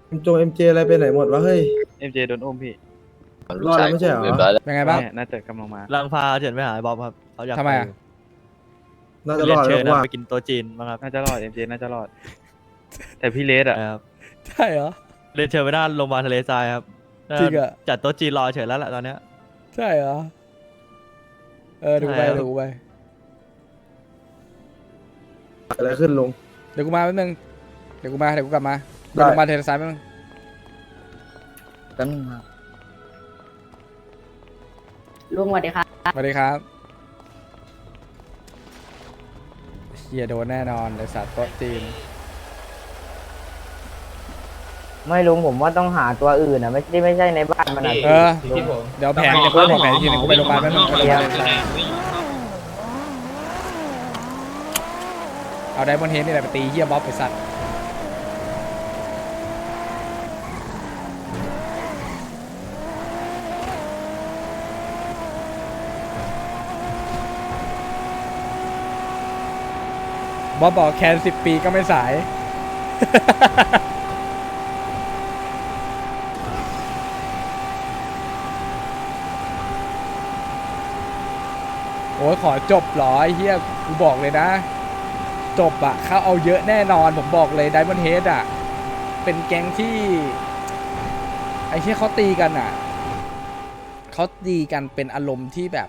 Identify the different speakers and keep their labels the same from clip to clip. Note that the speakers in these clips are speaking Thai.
Speaker 1: เอ็มเจอะไรไปไหนหมดวะเฮ้ย
Speaker 2: เอ็มเจโดนอุ้มพี่
Speaker 1: รอดแล้วไม่ใช่เหรอ
Speaker 3: เรียบร้อยแล้ว
Speaker 4: เป็นไงบ้าง
Speaker 2: เนี่ยน่าจะกำลังมา
Speaker 5: ลังพาเฉินไปหาไอ้บ๊อบครับเขาอยาก
Speaker 4: ทำไมอะ
Speaker 1: น่าจะร
Speaker 5: เรีย
Speaker 1: อน ด
Speaker 5: เชิ
Speaker 1: แล้ว
Speaker 5: ญนะ
Speaker 1: ว่า
Speaker 5: ไปกินโต๊ะจีนบ้างครับ
Speaker 2: น่าจะรอดเอ็มเจน่าจะรอด แต่พี่เลสอะ
Speaker 5: ครับ
Speaker 4: ใช่เหรอ
Speaker 5: เรียนเชิญไปด้านโรงพยาบาลทะเลทรายครับ
Speaker 4: จริงอะ
Speaker 5: จัดโต๊ะจีนรอเฉินแล้วแหละตอนเนี้ย
Speaker 4: ใช่เหรอ เดี๋ยวกูไป
Speaker 5: ใช่ครับ
Speaker 4: เดี๋ยวกูไป
Speaker 1: อะไรขึ้นลุง
Speaker 4: เดี๋ยวกูมาแป๊บนึง เดี๋ยวกูกลับมา
Speaker 1: ได้
Speaker 4: เดี๋ยวลงมาเทเลซ้ายแป๊บนึง
Speaker 3: ตั้งมา
Speaker 6: ลุงสวัสดีค่ะ
Speaker 4: สวัสดีครับเฮียโดนแน่นอนไอสัตว์โต๊ะจีน
Speaker 7: ไม่ลุงผมว่าต้องหาตัวอื่นอ่ะไม่ใช่ในบ้านมันอ่ะ
Speaker 4: เออ เดี๋ยวแผนจะพูดบอกแผนอีกทีนึงกูไปโรงพยาบาลแป๊บนึงไปโรงพยาบาลเลยเอาไดมอนด์เฮดนี่แหละไปตีเฮียบ๊อบไปสัตว์บ๊อบบอกแคน10 ปีก็ไม่สาย โอ้ยขอจบเหรอไอ้เฮียกูบอกเลยนะ จบอะเขาเอาเยอะแน่นอนผมบอกเลยไดมอนด์เฮดอะเป็นแก๊งที่ไอ้เฮียเขาตีกันอะเขาตีกันเป็นอารมณ์ที่แบบ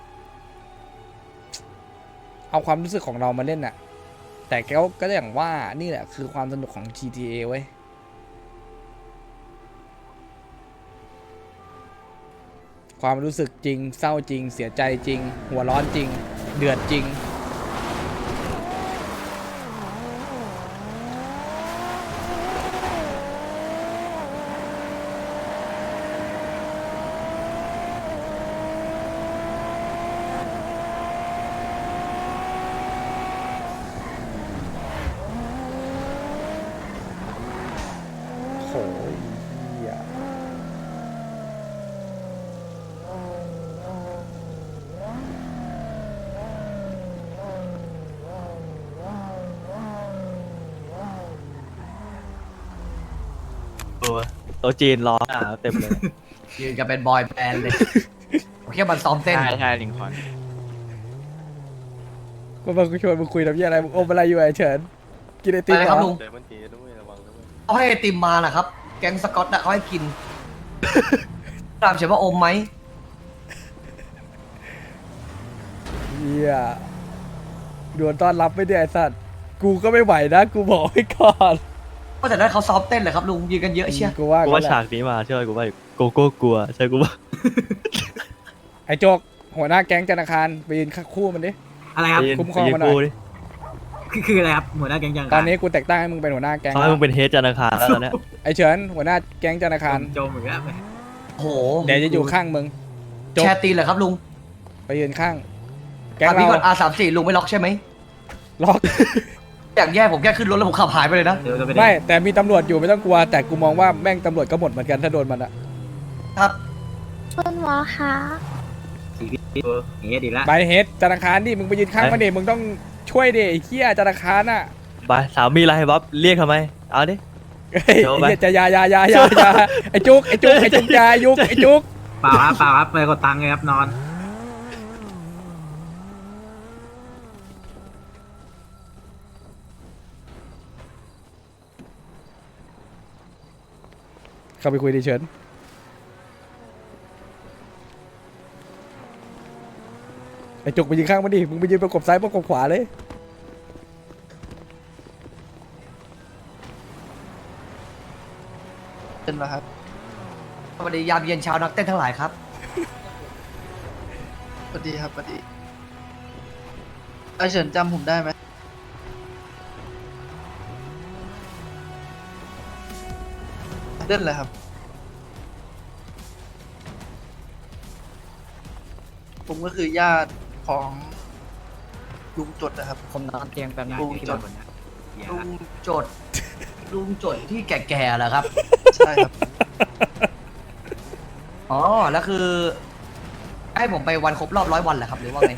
Speaker 4: เอาความรู้สึกของเรามาเล่นอะแต่ก็อย่างว่านี่แหละคือความสนุกของ GTA เว้ยความรู้สึกจริงเศร้าจริงเสียใจจริง หัวร้อนจริง เดือดจริง โหยเหี้ย
Speaker 5: โต๊ะจีนรอหน้าเต็มเลย
Speaker 8: ยืนกันเป็นบอยแบนด์เลยผมแค่มันซ้อมเต้น
Speaker 2: ใช่ลิงคอน
Speaker 4: มาบอกกูชวนมึงคุยทำยี่อะไรมึงอมอะไรอยู่ไอ้เฉินกินไอติม
Speaker 8: อะไร
Speaker 4: เห
Speaker 8: ค
Speaker 4: ร
Speaker 8: รับ
Speaker 4: อ
Speaker 8: ลุงเขาให้ไอติมมานะครับ แก๊งสกอตน่ะเขาให้กิน ตามเฉยว่าอมไหม
Speaker 4: เฮียดวนต้อนรับไม่ได้ไอ้สัตว์กูก็ไม่ไหวนะกูบอกไว้ก่อน
Speaker 8: ก็แต่นั้นเขาซ้อมเต้นเลยครับลุงยืนกันเยอะเชีย
Speaker 4: กูว่า
Speaker 5: กู
Speaker 4: งั้
Speaker 5: ว่าน
Speaker 4: แหละ
Speaker 5: ฉากนี้มาเชื่อกูว่าโกโก้กลัวใช่กูว่า
Speaker 4: ไอ้โจกหัวหน้าแก๊งธนาคารไปยืนข้างคู่มันดิ
Speaker 7: อะไรครับ
Speaker 4: คุ้มครองมาหน่อย
Speaker 5: ไปยืกูดิ
Speaker 7: คืออะไรครับหัวหน้าแก๊งยัง
Speaker 4: ตอนนี้กูแต่งตั้งให้มึงเป็นหัวหน้าแก๊ง
Speaker 5: เขาให้มึงเป็นเฮดจันทร์อังคารแล้วตอนเนี้ย
Speaker 4: ไอ้เฉินหัวหน้าแก๊งธนาคาร
Speaker 7: โจมอีกแล้ว
Speaker 8: โอ้โห
Speaker 4: เดี๋ยวจะอยู่ข้างมึงโจก
Speaker 8: แชร์ตีนเลยครับลุง
Speaker 4: ไปยืนข้าง แก๊ง
Speaker 8: ถามพี่
Speaker 4: เรา
Speaker 8: ก่อน R34 ลุงไม่ล็อกใช่ไหม
Speaker 4: ล็อก
Speaker 8: อย่างแย่ผมแค่ขึ้นรถแล้วผมขับหายไปเลยนะ
Speaker 7: เดี๋ยวจะไป
Speaker 4: ไม่แต่มีตำรวจอยู่ไม่ต้องกลัว แต่กูมองว่าแม่งตำรวจก็หมดเหมือนกันถ้าโดนมันอะ
Speaker 8: ครับ
Speaker 6: คุณหมอคะ
Speaker 7: เฮ้ยดีละ
Speaker 4: ไปเฮดธนาคารดิมึงไปยืนข้างมันดิมึงต้องช่วยดิไอ้เหี้ยธนาคารน่ะ
Speaker 5: ไปสามีอะไรบ๊อบเรียกทำไมเอาดิ
Speaker 4: เฮ้ย
Speaker 5: โจ้ไป
Speaker 4: ไอ้เหี้ยจะอยาไอ้จุกอยายุกไอ้จุก
Speaker 7: เปล่าครับไปกดตังค์เลยครับนอน
Speaker 4: เข้าไปคุยดิเฉินไอ้จุกไปยืนข้างมันดิมึงไปยืนประกบซ้ายประกบขวาเลย
Speaker 9: เป็นเหรอครับ
Speaker 8: สวัสดียามเย็นเช้านักเต้นทั้งหลายครับ
Speaker 9: สวัสดีครับสวัสดีไอเฉินจำผมได้ไหมเล่นเลยครับ ผมก็คือญาติของลุงจดนะครับ
Speaker 7: ผมนอนเตียงแป๊บนึง
Speaker 9: ลุงจด
Speaker 8: ลุงจด ลุงจดที่แก่ๆเหรอครับ
Speaker 9: ใช่ครับ
Speaker 8: อ๋อ แล้วคือ ให้ผมไปวันครบรอบ100 วันเหรอครับ หรือว่าไง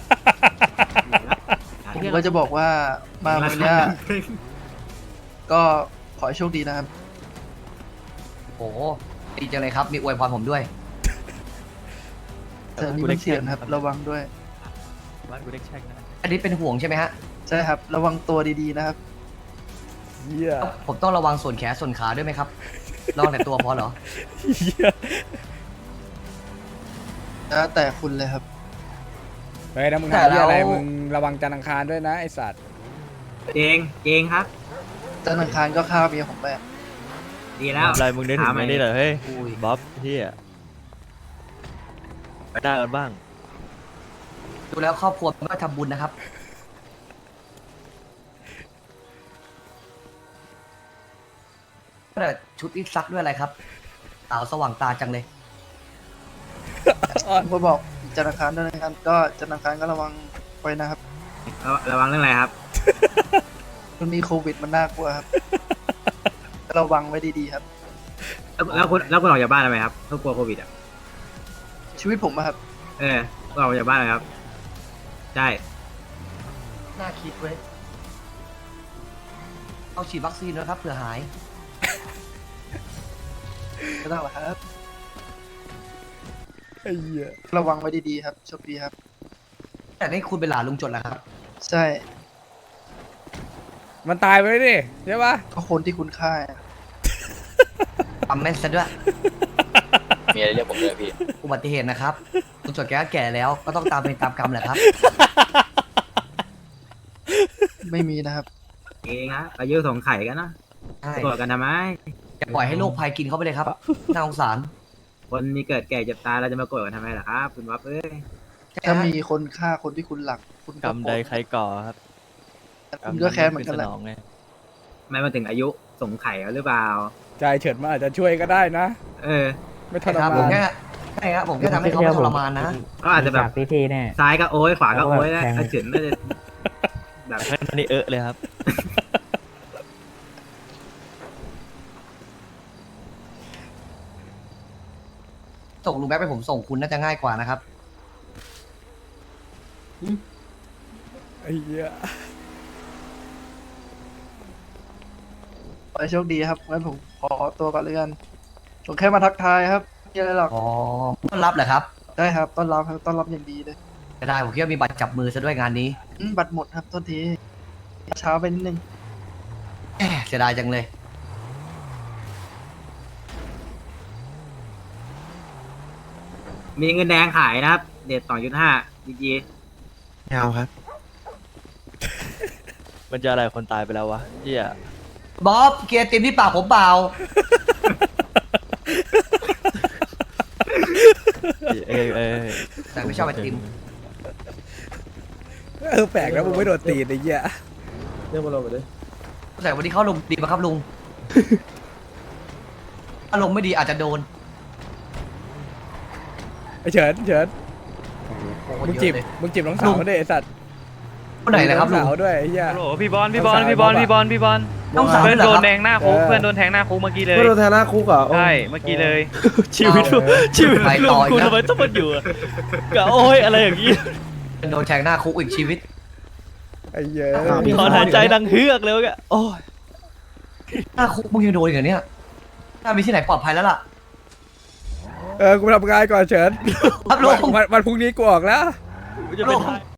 Speaker 9: ผมก็จะบอกว่ามาวันเนี้ยก็ขอให้โชคดีนะครับ
Speaker 8: โอ้ดีจังเลยครับ มีอวยพรผมด้วย
Speaker 9: แต่นี่มันเสี่ยงครับ ระวังด้วย
Speaker 5: บ้านกูเด็กแช่งนะ
Speaker 8: อันนี้เป็นห่วงใช่ไหมฮะ
Speaker 9: ใช่ครับ ระวังตัวดีๆนะครับ
Speaker 4: เหี้ย
Speaker 8: ผมต้องระวังส่วนแขนส่วนขาด้วยไหมครับลองแต่ตัวพอเหรอ
Speaker 4: เหี้ย
Speaker 9: แล้วแต่คุณเลยครับ
Speaker 4: เฮ้ยนะมึง
Speaker 8: แต่
Speaker 4: หาเหี้ยอะไร
Speaker 8: แล้ว
Speaker 4: มึงระวังจันทร์อังคารด้วยนะไอสัตว์
Speaker 3: เกงครับ
Speaker 9: จันทร์อังคารก็ฆ่าเมียผมไปอะ
Speaker 3: ดีแล้ว
Speaker 5: อะไรมึงได้ถึงไหนนี่เหรอเฮ้ย
Speaker 8: อุ้ย
Speaker 5: บ๊อบเฮียไปได้กันบ้าง
Speaker 8: ดูแล้วครอบครัวไม่ทำบุญนะครับแต่ชุดที่ซักด้วยอะไรครับสาวสว่างตาจังเลย
Speaker 9: ผมก็บอกจันทร์อังคารด้วยนะครับ ก็จันทร์อังคารก็ระวังไว้นะครับ
Speaker 3: ระวังเรื่องอะไรครับ
Speaker 9: มันมีโควิดมันน่ากลัวครับ ระวังไว้ดีๆครับ
Speaker 3: แล้วคุณออกจากบ้านทำไมครับเพราะกลัวโควิดอ่ะ
Speaker 9: ชีวิตผมอะครับ
Speaker 3: คุณออกจากบ้านทำไมครับ ใช่
Speaker 8: น่าคิดเว้ยเอาฉีดวัคซีนนะครับเผื่อหาย
Speaker 9: ก็ต้องหรอกครับ
Speaker 4: ไอ้เหี้ย
Speaker 9: ระวังไว้ดีๆครับโชคดีครับ
Speaker 8: แต่นี่คุณเป็นหลานลุงจดแล้วครับ
Speaker 9: ใช่
Speaker 4: มันตายไปเลยดิใช่ปะ
Speaker 9: ก็คนที่คุณฆ่าอะ
Speaker 8: ปั๊มแม่นซะด้วย
Speaker 2: มีอะไรเรียกผมเลยพี่
Speaker 8: อุบัติเหตุนะครับลุงจดแกก็แก่แล้วก็ต้องตามเป็นตามกรรมแหละครับ
Speaker 9: ไม่มีนะครับ
Speaker 3: เองฮะอายุสงไข่กันนะ
Speaker 8: ใช่
Speaker 3: โกรธกันทำไม
Speaker 8: อย่าปล่อยให้โรคภัยกินเข้าไปเลยครับน่าสงสาร
Speaker 3: คนมีเกิดแก่เจ็บตายเราจะมาโกรธกันทำไมล่ะครับ คุณวับเอ้ย
Speaker 9: ถ้ามีคนฆ่าคนที่คุณหลัก คุณ
Speaker 5: กรรมใดใครก่อครับ
Speaker 9: คุณก็แค้นเหมือนกันแหละ
Speaker 5: สนองไง
Speaker 3: ไม่มาถึงอายุสงไข่แล้วหรือเปล่า
Speaker 4: ใจเฉิดมันอาจจะช่วยก็ได้นะ
Speaker 3: เออ
Speaker 4: ไม่ท
Speaker 8: ใช่
Speaker 4: ร
Speaker 8: ครับ
Speaker 4: มา
Speaker 8: ผม
Speaker 4: น
Speaker 8: แค่ใช่ครับผมแค่ทำให้เขาไม่ทรมานนะ
Speaker 3: ก็อาจจะแบบ
Speaker 7: พิธีแน่
Speaker 3: ซ้ายก็โอ้ยขวาก็โอ้ยนะ
Speaker 7: แทง
Speaker 3: อาจินไม่ได้แบบ
Speaker 5: แค่นี้เลยครับ
Speaker 8: ส่งลุงแบ๊บไปผมส่งคุณน่าจะง่ายกว่านะครับ
Speaker 4: ไอ้เหี้ย
Speaker 9: ขอให้โชคดีครับงั้นผมขอตัวก่อนเลยกันผมแค่มาทักทายครับไม่มีอะไรหรอก
Speaker 8: อ๋อต้อนรับเหรอครับ
Speaker 9: ได้ครับ ต้อนรับครับต้อนรับอย่างดีเลย
Speaker 8: จะได้ผมคิดว่ามีบัตรจับมือซะด้วยงานนี้
Speaker 9: บัตรหมดครับโทษทีเช้าไปนิดนึง
Speaker 8: แหมเสียดายจังเลย
Speaker 3: มีเงินแดงขายนะครับ เด็ด2.5จี
Speaker 1: เอาครับ
Speaker 5: มันจะอะไรคนตายไปแล้ววะเฮีย
Speaker 8: บ๊อบเกียร์เต็มที่ปากผมเปล่า แต่ไม่ชอบไอติม
Speaker 4: แปลกนะมึงไม่โดนตีนไอ้เหี้ย
Speaker 1: เรื่องมาลงไปดิ
Speaker 8: แต่วันนี้เขาลงดีไหมครับลุง ถ้าลงไม่ดีอาจจะโดน
Speaker 4: ไอ้เฉินเฉิน
Speaker 8: โอ้โห
Speaker 4: มึง
Speaker 8: เย
Speaker 4: จีบ
Speaker 8: อะเลย
Speaker 4: มึงจีบน้องสาวด้วยไอ้สัตว์
Speaker 8: คนไหนนะครับลุ
Speaker 4: น้อง งสาวด้วยไอ้เหี้ย
Speaker 2: โหลพี่บอลพี่บอลพี่บอลพี่บอลพี่บอล
Speaker 8: น้องสาว
Speaker 2: เพื่อน
Speaker 8: เหร
Speaker 2: โด
Speaker 8: อน ครับ
Speaker 2: แทงหน้าคุก
Speaker 4: เออ
Speaker 2: เพื่อนโดนแทงหน้าคุกเมื่อกี้เลย
Speaker 1: เพื่อนโดนแทนหน้าคุกเหรอ
Speaker 2: ใช่เมื่อกี้เลย
Speaker 5: ชีวิตลูกชีวิต
Speaker 8: ไป
Speaker 5: ลู
Speaker 8: ต่
Speaker 5: ก
Speaker 8: ออีก
Speaker 5: กู
Speaker 8: นะ
Speaker 5: ทำไมต้องมาอยู่อะกับโอ้ยอะไรอย่างงี้
Speaker 8: โดนแทงหน้าคุกอีกชีวิต
Speaker 4: ไอ้เหี้ย
Speaker 5: ถอนหายใจดังเฮือกเลยแกโอ้ย
Speaker 8: หน้าคุกมึงยังโดนอีกเหรอเนี่ยน่ามีที่ไหนปลอดภัยแล้วล่ะ
Speaker 4: กูไปทำงานก่อนเฉิน
Speaker 8: ครับลุง
Speaker 4: วันพรุ่งนี้กูออกแล้ว
Speaker 5: กูจะเป็นทาย